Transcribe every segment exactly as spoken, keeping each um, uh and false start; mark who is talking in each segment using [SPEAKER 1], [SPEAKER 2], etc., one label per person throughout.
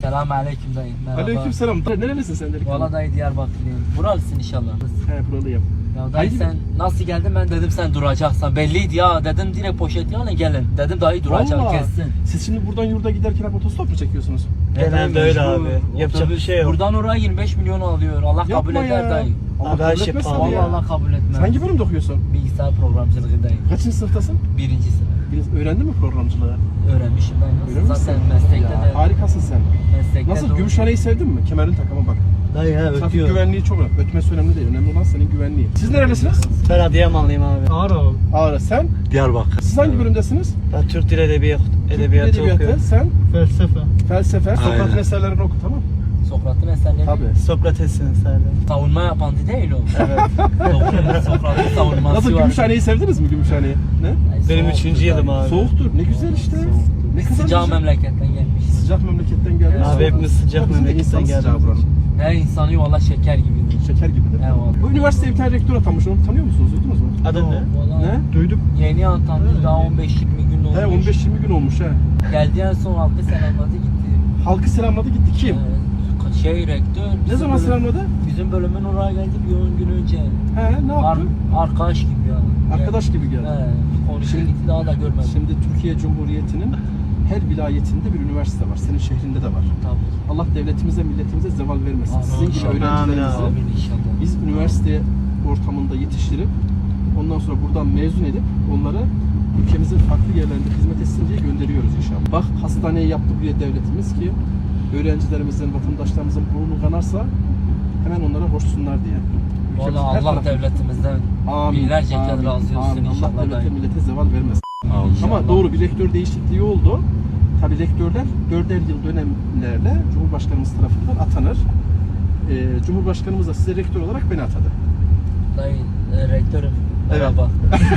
[SPEAKER 1] Selam aleyküm dayı. Merhaba.
[SPEAKER 2] Aleykümselam. Nerelisin sen dedik?
[SPEAKER 1] Valla dayı Diyarbakırlıyım. Buralısın inşallah.
[SPEAKER 2] He buralıyım.
[SPEAKER 1] Ya dayı
[SPEAKER 2] Haydi.
[SPEAKER 1] sen nasıl geldin, ben dedim sen duracaksan. Belliydi ya, dedim direkt poşet alın gelin. Dedim dayı duracak
[SPEAKER 2] Vallahi.
[SPEAKER 1] kessin.
[SPEAKER 2] Siz şimdi buradan yurda giderken hep otostop mu çekiyorsunuz?
[SPEAKER 3] Genelde öyle abi.
[SPEAKER 1] Mecbur.
[SPEAKER 3] Yapacak bir şey yok.
[SPEAKER 1] Buradan oraya yirmi beş milyon alıyor. Allah kabul
[SPEAKER 2] Yapma
[SPEAKER 1] eder
[SPEAKER 2] ya.
[SPEAKER 1] dayı.
[SPEAKER 2] Allah
[SPEAKER 3] Abi her
[SPEAKER 2] kabul
[SPEAKER 3] şey
[SPEAKER 2] etmez
[SPEAKER 3] pahalı
[SPEAKER 2] tabii
[SPEAKER 1] Vallahi
[SPEAKER 2] ya.
[SPEAKER 1] Allah kabul etmez.
[SPEAKER 2] Sen hangi bölümde okuyorsun?
[SPEAKER 1] Bilgisayar programcılığı dayı.
[SPEAKER 2] Kaçıncı sınıftasın?
[SPEAKER 1] Birinci sınıf.
[SPEAKER 2] Biraz öğrendin mi programcılığı?
[SPEAKER 1] Öğrenmişim dayı.
[SPEAKER 2] Öyle
[SPEAKER 1] Nasıl?
[SPEAKER 2] misin?
[SPEAKER 1] Zaten meslekte
[SPEAKER 2] Ya,
[SPEAKER 1] de.
[SPEAKER 2] harikasın sen.
[SPEAKER 1] Meslekte
[SPEAKER 2] Nasıl?
[SPEAKER 1] de-
[SPEAKER 2] Gümüşhane'yi sevdin mi? Kemerini tak ama bak.
[SPEAKER 3] Dayı ha
[SPEAKER 2] Trafik
[SPEAKER 3] ötüyor.
[SPEAKER 2] güvenliği çok önemli. Ötmesi önemli değil. Önemli olan senin güvenliği. Siz nerelisiniz?
[SPEAKER 3] Ben Adıyamanlıyım abi.
[SPEAKER 2] Ağrı. Ağrı. Sen?
[SPEAKER 4] Diyarbakır.
[SPEAKER 2] Siz hangi bölümdesiniz?
[SPEAKER 3] Ben Türk Dil Edebiyatı, Edebiyatı
[SPEAKER 2] Edebiyatı.
[SPEAKER 3] okuyorum.
[SPEAKER 2] Sen?
[SPEAKER 3] Felsefe.
[SPEAKER 2] Felsefe. Sokrat'ın
[SPEAKER 4] Aynen.
[SPEAKER 2] eserlerini oku tamam.
[SPEAKER 1] Sokrat'ın eserleri.
[SPEAKER 2] Tabii.
[SPEAKER 3] Sokrates'in eserleri.
[SPEAKER 1] Savunma yapan değil o.
[SPEAKER 3] Evet.
[SPEAKER 1] Doğru. Sokrat'ın savunması
[SPEAKER 2] Nasıl
[SPEAKER 1] var.
[SPEAKER 2] Gümüşhane'yi sevdiniz mi Gümüşhane'yi? Ne?
[SPEAKER 1] Ay,
[SPEAKER 3] Benim
[SPEAKER 1] soğuktur
[SPEAKER 3] üçüncü yılım
[SPEAKER 1] dayı.
[SPEAKER 3] abi.
[SPEAKER 2] Soğuktur. Ne güzel işte. Ne kadar
[SPEAKER 1] Sıcağı
[SPEAKER 2] güzel.
[SPEAKER 1] memleketten gelmiş.
[SPEAKER 2] Sıcak memleketten geldi.
[SPEAKER 1] Evet.
[SPEAKER 3] Abi hepimiz sıcak
[SPEAKER 2] Bizim de
[SPEAKER 3] memleketten
[SPEAKER 2] insan sıcağı
[SPEAKER 3] geldik.
[SPEAKER 2] buranın.
[SPEAKER 1] Her insanı valla şeker gibidir.
[SPEAKER 2] Şeker gibidir.
[SPEAKER 1] Eyvallah.
[SPEAKER 2] Bu üniversiteye bir tane rektör atanmış. Onu tanıyor musunuz? Duydunuz mu?
[SPEAKER 3] Adın ne?
[SPEAKER 1] Valla
[SPEAKER 2] Ne?
[SPEAKER 3] Duydum.
[SPEAKER 1] yeni atandı, daha on beş yirmi gün olmuş.
[SPEAKER 2] He on beş yirmi gün olmuş he.
[SPEAKER 1] Geldi en son halkı selamladı gitti.
[SPEAKER 2] Halkı selamladı gitti kim?
[SPEAKER 1] Ee, şey rektör.
[SPEAKER 2] Ne
[SPEAKER 1] bizim
[SPEAKER 2] zaman
[SPEAKER 1] bölüm-
[SPEAKER 2] selamladı?
[SPEAKER 1] Bizim bölümün oraya geldi bir on gün önce.
[SPEAKER 2] He ne
[SPEAKER 1] Ar
[SPEAKER 2] yaptı?
[SPEAKER 1] arkadaş gibi yani.
[SPEAKER 2] Arkadaş gibi geldi.
[SPEAKER 1] He, konuştu
[SPEAKER 2] Şimdi-
[SPEAKER 1] gitti, daha da görmedim.
[SPEAKER 2] Şimdi Türkiye Cumhuriyeti'nin her vilayetinde bir üniversite var. Senin şehrinde de var.
[SPEAKER 1] Tabii.
[SPEAKER 2] Allah devletimize, milletimize zeval vermesin.
[SPEAKER 1] Amin.
[SPEAKER 2] Sizin gibi
[SPEAKER 1] Amin.
[SPEAKER 2] öğrencilerimizi
[SPEAKER 1] Amin inşallah.
[SPEAKER 2] biz üniversite ortamında yetiştirip ondan sonra buradan mezun edip onları ülkemizin farklı yerlerinde hizmet etsin diye gönderiyoruz inşallah. Bak hastaneyi yaptı buraya devletimiz ki öğrencilerimizin, vatandaşlarımızın burnu kanarsa hemen onlara hoşsunlar diye. Ülkemizin
[SPEAKER 1] Valla
[SPEAKER 2] her
[SPEAKER 1] Allah
[SPEAKER 2] tarafı-
[SPEAKER 1] devletimizden
[SPEAKER 2] Amin,
[SPEAKER 1] binlerce kez
[SPEAKER 2] amin,
[SPEAKER 1] razı olsun
[SPEAKER 2] amin.
[SPEAKER 1] inşallah.
[SPEAKER 2] Allah devlete
[SPEAKER 1] dayı.
[SPEAKER 2] millete zeval vermesin.
[SPEAKER 1] İnşallah.
[SPEAKER 2] Ama doğru bir rektör değişikliği oldu. Tabii rektörler dörder yıl dönemlerle Cumhurbaşkanımız tarafından atanır. Ee, Cumhurbaşkanımız da size rektör olarak beni atadı.
[SPEAKER 1] Dayı, e, rektörüm.
[SPEAKER 2] Evet.
[SPEAKER 1] Merhaba.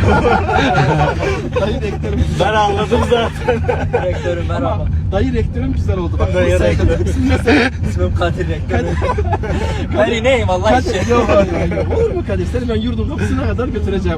[SPEAKER 2] Dayı rektörüm
[SPEAKER 3] Ben anladım zaten.
[SPEAKER 1] rektörüm merhaba.
[SPEAKER 2] Ama dayı rektörüm güzel oldu. Bak,
[SPEAKER 3] Dayı
[SPEAKER 2] bu sen-
[SPEAKER 3] rektör.
[SPEAKER 2] İsim ne sen?
[SPEAKER 1] İsmim Kadir rektörüm. Ben ineyim Allah için.
[SPEAKER 2] Kadir, yok, hayır, hayır. Olur mu Kadir? Seni ben yurdun kapısına kadar götüreceğim.